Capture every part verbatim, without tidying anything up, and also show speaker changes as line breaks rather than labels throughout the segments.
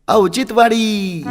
औचित्यवाडी.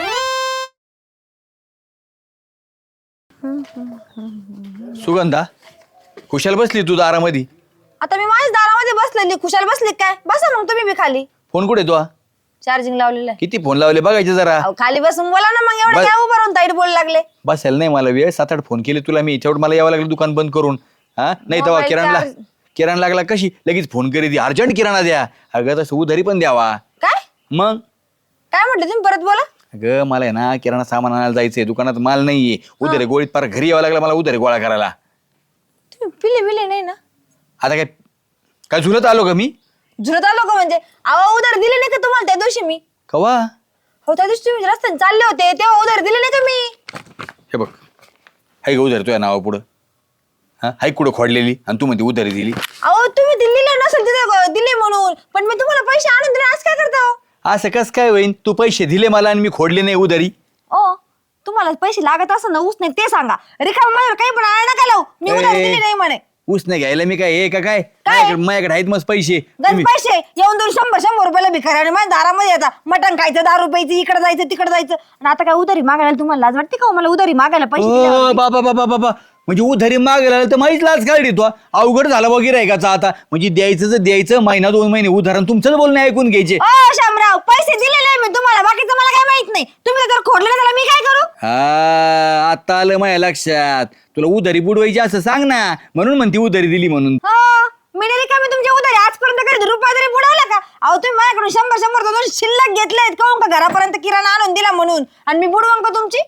सुगंधा खुशाल बसली तू दारामध्ये.
आता मी माझ्या दारामध्ये बसलेली, खुशाल बसली काय? बसा मग तुम्ही बी खाली.
फोन कुठे तू?
चार्जिंग लावलेलं आहे.
किती फोन लावले बघायचे जरा.
अहो, खाली बसून बोला ना मग. एवढं
बस.
काय उभं राहून ताईट बोलू लागले?
बसायला नाही मला वेळ. सात आठ फोन केले तुला मी. तेवढं मला यावं लागलं दुकान बंद करून. हा नाही तेव्हा
मोबाईल
किराणा
चार्ज-
किराणा लागला कशी लगेच फोन करी दी. अर्जंट किराणा द्या. अगं तसं उधारी पण द्यावा.
काय
मग
काय म्हटलं तुम्ही? परत बोला.
अगं मला आहे ना किराणा सामान आणायला जायचंय. दुकानात माल नाहीये. उधारी गोळीत पार घरी यावं लागलं मला उधारी गोळा करायला.
तुम्ही पिले बिले नाही ना?
आता काय काय झुलत आलो का मी?
झुरत आलो का म्हणजे? अहो उधार दिले नाही का तुम्हाला त्या दिवशी मी?
कवा?
हो त्या दिवशी तुम्ही रस्त्याने चालले होते तेव्हा उधार दिले नाही का मी?
हे बघ हाय का उधारी तुझ्या नावा पुढं? हा हाय कुठं खोडलेली आणि तू म्हणते उधारी दिली.
अहो तुम्ही दिलेले नसेल तिथे दिले म्हणून, पण मी तुम्हाला पैसे आणून दिले. आज काय करता हो?
असं कस काय होईन? तू पैसे दिले मला आणि मी खोडले नाही उधारी.
ओ तुम्हाला पैसे लागत असं ना ऊस नाही ते सांगा. रिकामा माझ्यावर काही पण आळ नका लावू. मी उधार
ए,
दिली नाही म्हणे.
ऊस नाही घ्यायला मी काय हे का काय?
काय?
माझ्याकडे माझ्याकडे आहेत मस्त पैसे.
गण
तुम्ही-
पैसे येऊन दोन शंभर शंभर रुपयाला भिकारी आणि माझ्या दारामध्ये येतात. मटण खायचं, दारू प्यायचं, इकडे जायचं तिकडे जायचं. आणि आता काय उधारी मागायला तुम्हाला लाज वाटते का हो? मला उधारी मागायला पैसे
ओ
दिल्यावरती?
बाबा बाबा बाबा म्हणजे उधारी मागायला तर माहीच लाच काढली तो. अवघड झाला वगैरे आहे का आता? म्हणजे द्यायचं तर द्यायचं महिना दोन महिने उधारण तुमचंच बोलणं ऐकून घ्यायचे.
ओ शामराव पैसे दिलेले आहे मी तुम्हाला, बाकीचं मला काय माहित नाही. तुम्ही जर खोडलं त्याला मी काय करू?
हा आता आलं माझ्या लक्षात. तुला उधारी बुडवायची असं सांग ना, म्हणून म्हणते उधारी दिली म्हणून.
हो मी नाही का मी तुमच्या उधारी आजपर्यंत कधी रुपया तरी बुडवला का? अहो तुम्ही माझ्याकडून शंभर शंभर दोन शिल्लक घेतलेत काहून का घरापर्यंत किराणा आणून दिला म्हणून, आणि मी बुडवून का तुमची?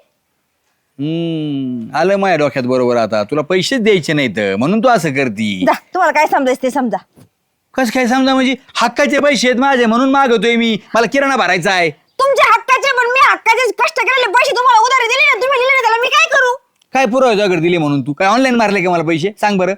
हम्म आलं माझ्या डोक्यात बरोबर. आता तुला पैसेच द्यायचे नाहीत म्हणून तू असं करती.
जा तुम्हाला काय समजायचं ते समजा.
कस काय समजा? म्हणजे हक्काचे पैसे आहेत माझे म्हणून मागवतोय मी. मला किराणा भरायचा आहे.
तुमच्या हक्काचे, पण मी हक्काचे कष्ट केलेले पैसे तुम्हाला उधारी दिले ना, तुम्ही दिले ना त्याला मी काय करू?
काय पुरावा तुझ्याकडे दिले म्हणून? तू काय ऑनलाईन मारले का मला पैसे? सांग बरं.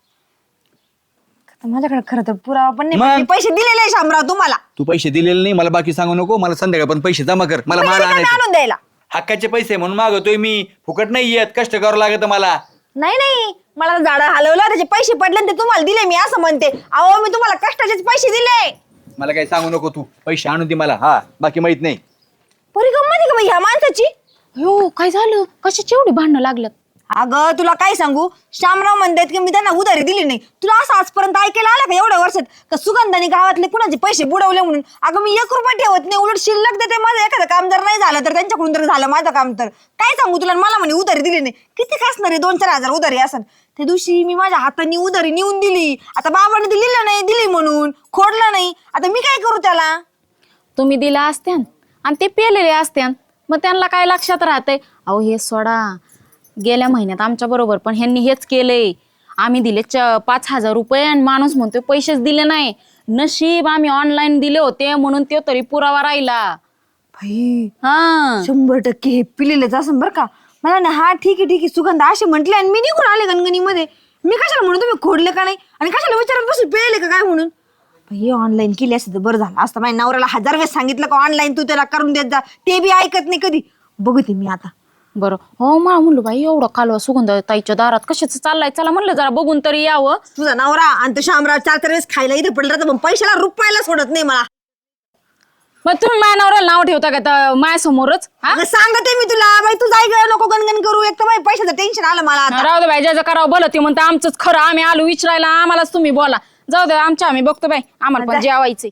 आता माझ्याकडे खरं तर पुरावा पण नाही,
मग?
पण मी पैसे दिलेले आहे शामराव तुम्हाला.
तू पैसे दिलेले नाही मला बाकी सांगू नको. मला संध्याकाळ पण पैसे जमा कर. मला
पैसे
माल
रिकामे
आणायचे.
आणून द्यायला.
हक्काचे पैसे म्हणून मागवतोय मी. फुकट नाही येत. कष्ट करावं लागत मला.
नाही नाही मला झाडं हलवलं त्याचे पैसे पडले आणि ते तुम्हाला दिले मी असं म्हणते. अहो मी तुम्हाला कष्टाचेच पैसे दिले.
मला काही सांगू नको तू. पैसे आणून दे मला. हा बाकी माहित नाही.
परी गंमत आहे का बाई ह्या माणसाची?
हो काय झालं? कशाची एवढी भांडणं लागल्यात?
अगं तुला काय सांगू, श्यामराव म्हणतात की मी त्यांना उधारी दिली नाही. तुला असं आजपर्यंत ऐकायला आलं का एवढ्या वर्षात का सुगंधाने गावातले कुणाचे पैसे बुडवले म्हणून? अगं मी एक रुपया ठेवत नाही, उलट शिल्लक देते. माझं एखादं काम जर नाही झालं तर त्यांच्याकडून तर झालं माझं काम. तर काय सांगू तुला, मला म्हणे उधारी दिली नाही. किती काय असणार आहे? दोन चार हजार उधारी असन. त्या दिवशी मी माझ्या हाताने उधारी नेऊन दिली. आता बाबाने दिलेलं नाही, दिली म्हणून खोडलं नाही. आता मी काय करू त्याला?
तुम्ही दिला असत्यान आणि ते पेलेले असत्यान, मग त्यांना काय लक्षात राहतंय? अहो हे सोडा. गेल्या महिन्यात आमच्या बरोबर पण ह्यांनी हेच केलंय. आम्ही दिले च पाच हजार रुपये आणि माणूस म्हणतोय पैसेच दिले नाही. नशीब आम्ही ऑनलाईन दिले होते म्हणून ते तरी पुरावा राहिला.
भाई
हा
शंभर टक्के हे पिलेलेच असं बरं का. मला ना हा ठीक आहे ठीक आहे सुगंध असे म्हटले आणि मी निघून आले गणगणीमध्ये. मी कशाला म्हणून तुम्ही खोडले का नाही आणि कशाला विचारत बसून पेले का काय म्हणून? हे ऑनलाईन केली असते तर बरं झालं असतं. माझ्या नवऱ्याला हजार वेळेस सांगितलं का ऑनलाईन तू त्याला करून देत जा, ते बी ऐकत नाही कधी. बघते मी आता.
बरं. हो मला म्हणलं बाई एवढं कालवा सुगंध ताईच्या दारात कशाच चाललाय, चला म्हणलं जरा बघून तरी यावं.
तुझा नवरा आणि तो शामराव चार चार वेळेस खायला इथे पडला तर पैशाला रुपयाला सोडत नाही मला.
मग तुम्ही माझ्या नवऱ्याला नाव ठेवता का माझ्यासमोरच? हा
अगं सांगते मी तुला बाई, तू जाय ग, नको गणगण करू. एक तर बाई पैशाचं टेन्शन आलं मला आता.
राहू दे बाई, ज्याचं करावं भलं ते म्हणतं आमचंच खरं. आम्ही आलो विचारायला, आम्हालाच तुम्ही बोला. जाऊ दे आमच्या आम्ही बघतो बाई, आम्हाला पण जेवायचंय.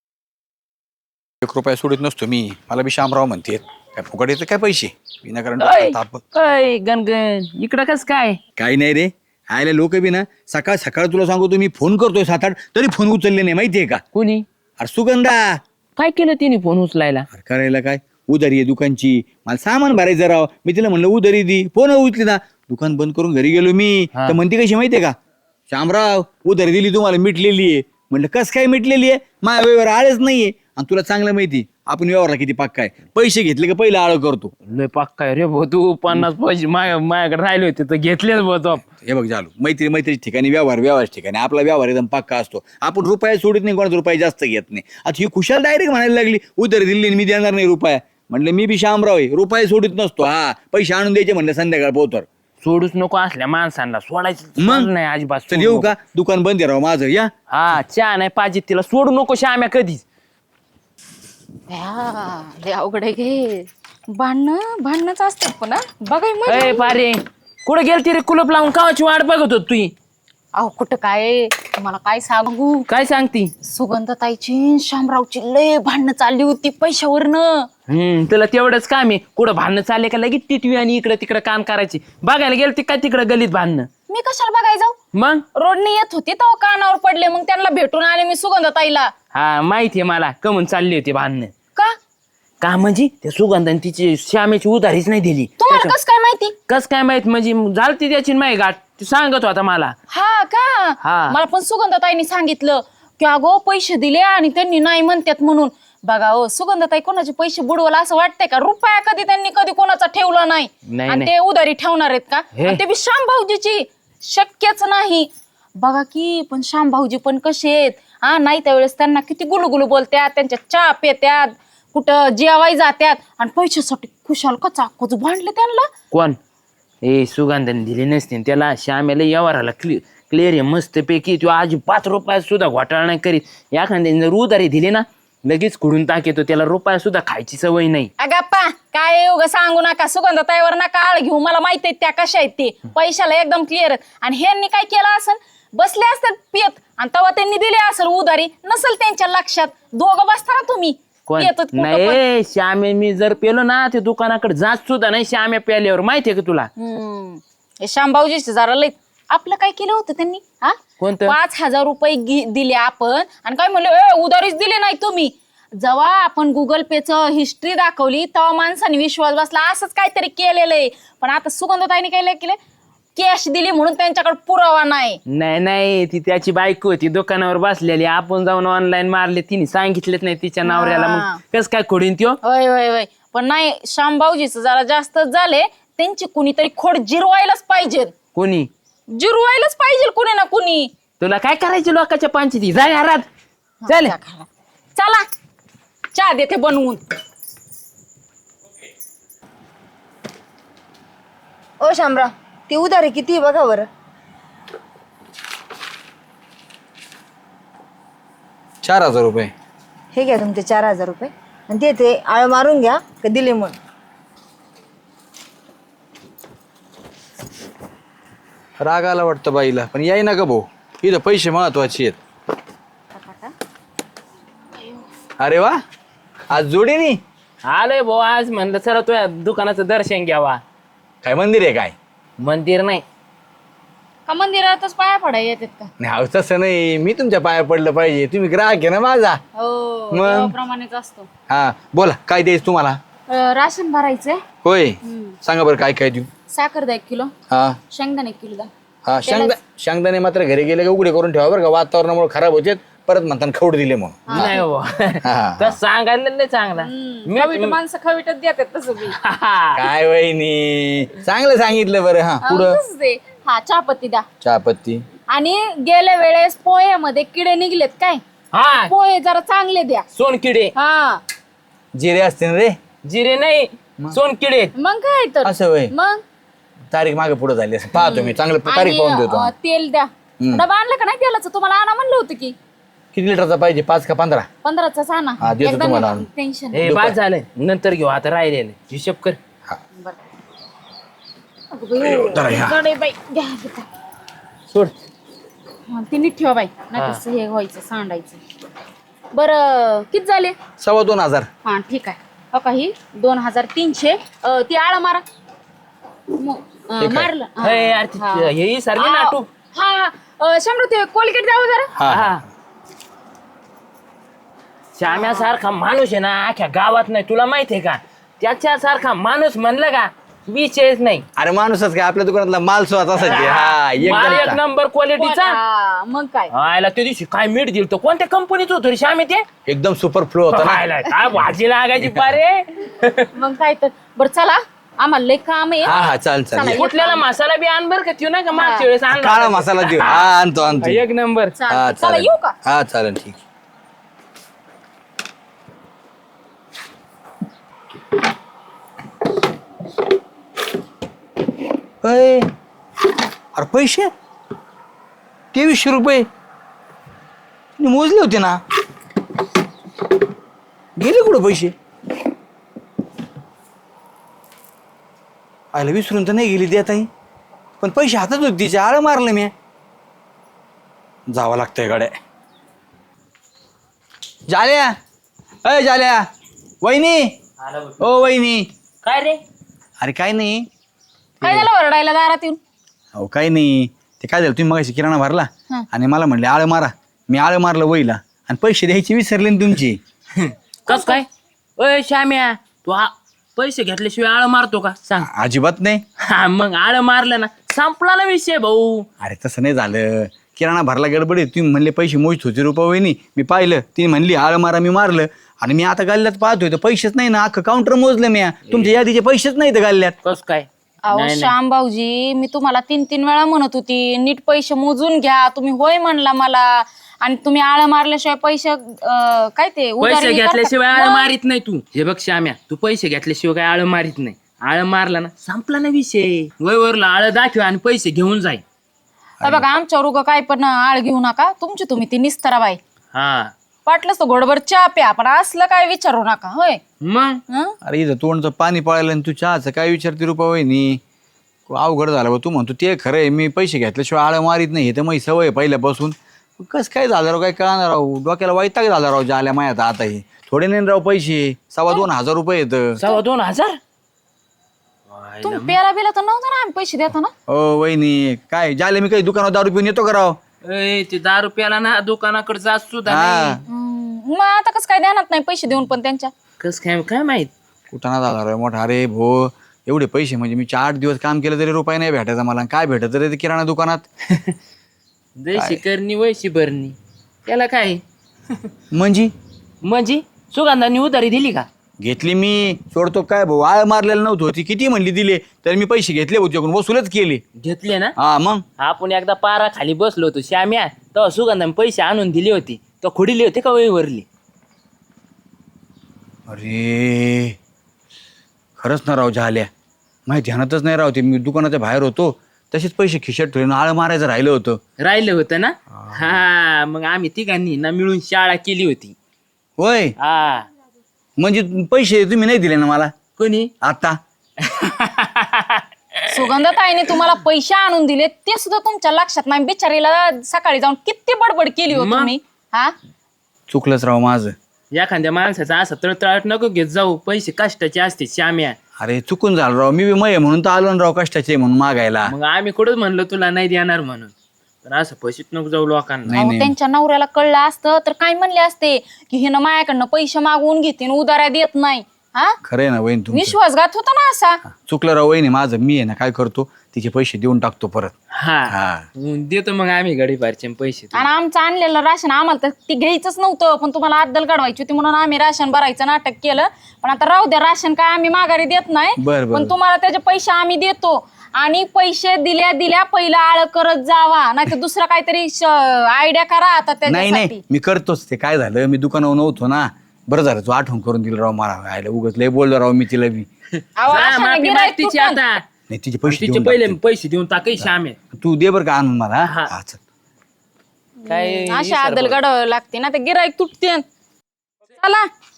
एक रुपया सोडित नसतो मी. मला बी शामराव म्हणते काय फुकट येतं काय पैसे विनाकारण
अय,
ताप.
अय, गणगण इकडं कस काय?
काही नाही रे. आयला लोक बी ना सकाळ सकाळ तुला सांगू तुम्ही फोन करतोय सात आठ तरी फोन उचलले नाही माहितीये का?
कोणी
अरे सुगंधा.
काय केलं तिने फोन उचलायला?
अरे करायला काय, उधारी आहे दुकानची. मला सामान भरायचं राव. मी तिला म्हणलं उधारी दी, फोन उचली ना. दुकान बंद करून घरी गेलो मी.
हा.
तर म्हणते कशी माहितीये का, शामराव उधारी दिली तुम्हाला मिटलेली आहे. म्हणलं कस काय मिटलेली आहे? माझ्या व्यवहार आळच नाहीये. आणि तुला चांगलं माहिती आपण व्यवहारला किती पक्का आहे. पैसे घेतले का पहिलं आळ करतो.
लय पक्का रे भाऊ तू. पन्नास पैसे माझ्या माझ्याकडे राहिले होते तर घेतलेच भाऊ तो.
हे बघ झालो मैत्री मैत्री ठिकाणी व्यवहार व्यवहार ठिकाणी आपला व्यवहार एकदम पक्का असतो. आपण रुपया सोडत नाही, कोणाचा रुपये जास्त घेत नाही. आता ही खुशाल डायरेक्ट म्हणायला लागली उधारी दिली आणि मी देणार नाही रुपया. म्हणलं मी बी शामराव आहे, रुपये सोडत नसतो. हा पैसे आणून द्यायचे म्हणलं संध्याकाळ पोतर.
सोडूच नको असल्या माणसांना, सोडायचं
मग?
नाही अजिबात.
चल
सोडू
येऊ
नको.
का, दुकान बंद आहे राव माझं. या
हा चहा नाही पाहिजे तिला, सोडू नको श्याम्या कधीच.
या, लय अवघड आहे घे. भांडणं भांडणंच असतात पण हा. बघाय मग
अय पारे कुठं गेलती रे कुलप लावून कावाची वाट बघत होत तुही
अहो कुठं काय तुम्हाला काय सांगू.
काय सांगती
सुगंधताईची शामरावची लय भांडणं चालली होती पैशावरनं.
हम्म तुला तेवढंच काम आहे कुठं भांडणं चालले का लगेच टिटवी आणि इकडे तिकडे काम करायची बघायला गेलती काय तिकडे गलीत भांडणं
मी कशाला बघाय जाऊ.
मग
रोडने येत होती तेव्हा कानावर पडले मग त्यांना भेटून आले मी सुगंधताईला.
हा माहितीये मला कमून चालली होती भांडणं
का
का म्हणजे त्या सुगंधाने तिची श्यामेची उधारीच नाही दिली
तुम्हाला कस काय माहिती.
कस काय माहित म्हणजे झालती त्याची माही गाठ ती सांगत होता मला
हा का
हा.
मला पण सुगंधताईनी सांगितलं की अगो पैसे दिले आणि त्यांनी नाही म्हणतात म्हणून. बघा हो सुगंधताई कोणाचे पैसे बुडवला असं वाटतंय का. रुपया कधी त्यांनी कधी कोणाचा ठेवला नाही
नाही,
आणि
नाही.
ते उधारी ठेवणार आहेत का.
हे.
आणि ते बी श्याम भाऊजीची शक्यच नाही. बघा की पण श्याम भाऊजी पण कसे आहेत हा नाही त्यावेळेस त्यांना किती गुलुगुलू बोलत्यात त्यांच्या चहा पेत्यात कुठं जेवाय जात्यात आणि पैशासाठी खुशाल कचा कचू भांडले त्यांना.
कोण ए सुगंधाने दिली नसते त्याला श्यामेला व्यवहाराला क्लि क्लिअर आहे मस्त पैकी तू आज पाच रुपयात सुद्धा घोटाळा नाही करीत एखाद्याने जर उधारी दिली ना लगेच खुडून टाकेतो त्याला रुपया सुद्धा खायची सवय नाही.
अगप्पा काय उगा सांगू नका सुगंधताईवर नका आळ घेऊ मला माहित आहे त्या कशा आहेत ते पैशाला एकदम क्लिअर. आणि ह्यांनी काय केलं असेल बसले असतात पियत आणि तेव्हा त्यांनी दिले असेल उधारी नसेल त्यांच्या लक्षात. दोघं बसता ना तुम्ही
कोण
पियत कुठं पण.
नाही श्यामे मी जर पेलो ना ते दुकानाकडे जात सुद्धा नाही श्याम्या प्याल्यावर माहितीये का तुला
हम्म. हे श्यामभाऊजीचे जरा लय आपलं काय केलं होतं त्यांनी हा
कोणतं?
पाच हजार रुपये गि- दिले आपण आणि काय म्हणलं ए उधारीच दिले नाही तुम्ही. जेव्हा आपण गुगल पेचं हिस्ट्री दाखवली तेव्हा माणसाने विश्वास बसला असंच काहीतरी केलेलं आहे. पण आता सुगंधताईने काय केलं कॅश दिली म्हणून त्यांच्याकडे पुरावा नाही.
नाही नाही ती त्याची बायको होती दुकानावर बसलेली आपण जाऊन ऑनलाईन मारले तिने सांगितलेच नाही तिच्या नवऱ्याला मग कस काय खोडीन त्यो.
होय होय होय पण नाही श्यामभाऊजीचं जरा जास्तच झाले त्यांची कुणीतरी खोड जिरवायलाच पाहिजे.
कोणी
जिरवायलाच पाहिजे कुणी ना कुणी.
तुला काय करायची लोकांच्या पंचायती जाय घरात चल.
चला चहा देते बनवून.
ओ शामराव ती उधारी किती आहे बघा बरं.
चार हजार रुपये.
हे घ्या तुमचे चार हजार रुपये आणि ते ते आळ मारून घ्या का दिले म्हणून.
राग आला वाटतं बाईला पण याय ना का भाऊ इथं पैसे महत्वाचे आहेत. अरे वा आज जोडीनी
आलोय भाऊ आज म्हणलं चला तुझ्या दुकानाचं दर्शन घ्यावा.
काय मंदिर आहे काय.
मंदिर नाही
का मंदिरातच पाया पडाय येतात का.
नाही अहो, तसं नाही मी तुमच्या पाया पडलं पाहिजे तुम्ही ग्राहक आहे ना माझा.
हो
मग?
देवाप्रमाणेच असतो.
हा बोला काय द्यायचं तुम्हाला.
अं, राशन भरायचंय.
होय सांगा बरं काय काय देऊ.
साखर द्या एक किलो
हा
शेंगदाणे एक किलो द्या.
हा शेंगदा शेंगदाणे मात्र घरी गेले का उघडे करून ठेवा बरं का वातावरणामुळे खराब होते परत म्हणताना खवड दिले मग.
नाही
हा.
बाबा तर सांगायला नाही चांगला
खवीट माणसं खवीटच देतात तसं बी.
काय वहिनी चांगलं सांगितलं बरं. हा पुढं
तसंच आहे. हा चहापत्ती द्या.
चहापत्ती.
आणि गेल्या वेळेस पोह्यामध्ये किडे निघलेत काय
हा
पोहे जरा चांगले द्या.
सोनकिडे
हा
जिरे असते ना रे.
जिरे नाही सोनकिडे.
मग काय तर
असं होय
मग
तारीख मागे पुढे झाली असं पाहतो मी चांगलं तारीख पाहून देतो.
अं, तेल द्या. डबा आणला का नाही तेलाचं तुम्हाला आणा म्हणलं होतं की
किती लिटरचा पाहिजे पाच का पंधरा.
पंधराचाच आणा.
हा, देतो
एकदा
तुम्हाला
नाही,
आणून.
टेन्शन
हे बाद झालंय नंतर घेऊ आता राहिलेलं हिशोब कर.
जरा ह्या.
जडे बाई घ्या घेता.
सोड
हा, ते नीट ठेवा बाई नाही तसं हे व्हायचं सांडायचं. बरं किती झाले.
सव्वा दोन हजार.
हा ठीक आहे हो काही दोन हजार तीनशे अं, ती आळा मारा. म- अं,
ठीक आहे.
मारलं हा.
हे यार ती-
हा.
हे सारखी
हा,
नाटू
हा अं, शंभर ते कोलगेट द्यावं जरा.
हा हा.
हा श्याम्यासारखा माणूस आहे ना अख्ख्या गावात नाही तुला माहित आहे का त्याच्यासारखा माणूस म्हणलं का विषयच नाही.
अरे माणूसच काय आपल्या दुकानातला माल स्वतः असायचे. हा
माल एक
एकदम
नंबर क्वालिटीचा.
हा, मग काय
आयला त्या दिवशी काय मीठ दिल तो कोणत्या कंपनीच होतं रे श्यामे ते.
एकदम सुपर फ्लो होता ना.
आयला, काय भाजी लागायची पारे.
मग काय तर बरं चला आम्हाला लय काम आहे.
हा हा चाल चाल
चला,
ये.
कुठल्याला मसाला बी आण बर का त्यो नाही का मागच्या वेळेस आणला
काळा
होता.
मसाला देऊ हा आणतो आणतो.
एक नंबर.
हा
चालतंय. चला
चालेल
येऊ का.
हा चालेल ठीक. अय, अरे पैसे तेवीसशे रुपये तिने मोजले होते ना. गेले कुठं पैसे? आयला विसरून तर नाही गेली देत आई, पण पैसे हातात होते तिचे, आळं मारलं मी. जावं लागतंय गाड्या. जाल्या, अय जाल्या, वहिनी, ओ वहिनी.
काय रे?
अरे काय नाही.
काय झालं ओरडायला दारात येऊन?
अहो काय नाही, ते काय झालं, तुम्ही मगाशी किराणा भरला
हं.
आणि मला म्हणले आळं मारा. मी आळं मारलं वहीला आणि पैसे द्यायचे विसरले ना तुमचे.
कस काय? ओय श्याम्या, तू आ- पैसे घेतल्याशिवाय आळ मारतो का सांग?
अजिबात नाही.
हा मग आळ मारलं ना संपला ना विषय भाऊ.
अरे तसं नाही झालं, किराणा भरला गडबडीत तुम्ही म्हणले पैसे मोजत होते रुपये वहिनी. मी पाहिलं, ती म्हणली आळं मारा, मी मारलं आणि मी आता गाल्ल्यात पाहतोय तर पैसेच नाही ना. अख्खं काउंटर मोजलं मी, तुमच्या यादीचे पैसेच नाही तर गाल्ल्यात.
कस काय?
अहो
नाही, नाही.
श्याम भाऊजी, मी तुम्हाला तीन तीन वेळा म्हणत होती नीट पैसे मोजून घ्या. तुम्ही होय म्हणला मला, आणि तुम्ही आळ मारल्याशिवाय पैसे अं, काय ते उधारी
पैसे
करता-
घेतल्याशिवाय आळ
मग?
मारित नाही तू. हे बघ श्याम्या, तू पैसे घेतल्याशिवाय काय आळ मारित नाही. आळ मारला ना संपला ना विषय. वयवरला आळ दाखव आणि पैसे घेऊन जाय.
हे बघा आमच्यावर उगा काय पण आळ घेऊ नका. तुमची तुम्ही ती निस्तरा बाई,
हा
वाटलंच तर घोडभर चहा प्या, पण असलं काय विचारू नका. होय
मग
हं?
अरे इथं तोंडचं पाणी पळायला आणि तू चहाचं काय विचारते रुपये वहिनी. अवघड झालं बा. तू म्हणतो ते खरं आहे, मी पैसे घेतल्याशिवाय आळं मारीत नाही, हे तर माझी सवय आहे पहिल्यापासून. कसं काय झालं राव, काय कळणार राव, डोक्याला वैताग झाला राव जाल्या मायात. आता हे थोडे नाही राव पैसे, सव्वा दोन हजार रुपये येतं.
सव्वा दोन हजार
तुम्ही प्याला बिला तर नव्हतं ना आम्ही पैसे देतो ना.
ओ वहिनी, काय जाले मी काही दुकानात दारू पिऊन येतो का राव?
ए, ते दहा रुपयाला ना दुकानाकडे जात सुद्धा
हा,
नाही.
हं, मग आता कसं काय ध्यानात नाही पैसे देऊन पण त्यांच्या.
कस काय काय माहित.
कुठं झाला राव मोठा. अरे भो, एवढे पैसे म्हणजे मी चार दिवस काम केलं तरी रुपये नाही भेटायचा मला. काय भेटत रे ते किराणा दुकानात?
जैशी करणी वैशी भरणी, त्याला काय
म्हणजे
म्हणजे सुगंधांनी उधारी दिली का?
घेतली मी, सोडतो काय भाऊ, आळ मारलेलं नव्हतं. होती किती म्हणली दिले, तर मी पैसे घेतले होते, वसूलच केले.
घेतले ना.
हा मग
आपण एकदा पारा खाली बसलो होतो श्याम्या, तेव्हा सुगंधाने पैसे आणून दिले होते, तर खोडीले होते का वहीवरली?
अरे खरंच ना राव झाल्या, माहिती ध्यानातच नाही राव. ते मी दुकानाच्या बाहेर होतो, तसेच पैसे खिशात ठेवून आळ मारायचं राहिलं होतं.
राहिलं होतं ना. हा मग आम्ही तिघांनी ना मिळून शाळा केली होती.
होय,
हा
म्हणजे पैसे तुम्ही नाही दिले ना मला
कोणी?
आता?
सुगंधताईने तुम्हाला पैसे आणून दिले ते सुद्धा तुमच्या लक्षात नाही. बिचारीला सकाळी जाऊन किती बडबड केली हो
मग?
तुम्ही. हा
चुकलंच राव माझं.
एखाद्या माणसाचा असं तळतळाट नको घेत जाऊ, पैसे कष्टाचे असते श्याम्या.
अरे चुकून झालं राव, मी बी मय म्हणून तर आलो ना राव, कष्टाचे म्हणून मागायला.
मग आम्ही कुठंच म्हणलो तुला नाही देणार म्हणून, पण असं पैसेच नको जाऊ लोकांना.
नाही,
अहो,
नाही.
त्यांच्या नवऱ्याला कळलं असतं तर काय म्हणले असते की हे ना माझ्याकडनं पैसे मागवून घेते आणि उधाऱ्या देत नाही. हा
खरंय ना वहीन तुमचं.
विश्वासघात होता ना असा.
चुकलं राव वहिनी माझं. मी आहे ना काय करतो, तिचे पैसे देऊन टाकतो परत.
हा
हा.
मग देतो मग आम्ही गडीपारचे पैसे.
आणि आमचं आणलेलं राशन आम्हाला तर ती घ्यायचंच नव्हतं, पण तुम्हाला अद्दल काढवायची होती म्हणून आम्ही राशन भरायचं नाटक केलं. पण आता राहू द्या, राशन काय आम्ही माघारी देत नाही,
बरं, बरं.
पण तुम्हाला त्याचे पैसे आम्ही देतो. आणि पैसे दिल्या दिल्या पहिला आळ करत जावा, नाही तर दुसरा काहीतरी आयडिया करा आता
नाही नाही,
त्याच्यासाठी.
मी करतोच. ते काय झालं, मी दुकानावर नव्हतो ना. बरं झालं तू आठवण करून दिलं राव मला. आयला उगाच लय बोललो राव मी तिला बी.
अहो,
जा,
अशाने
माफी
गिऱ्हाईक
माग तिची
तुटन.
आता.
नाही तिचे पैसे
तिचे
देऊन
पहिले
टाकतो.
पैसे देऊन टाकाय श्याम्या.
तू दे बरं का आणून मला.
हा.
हा, चल.
काय
अशा आदल काढावं लागते ना, ते गिराईक तुटते. चला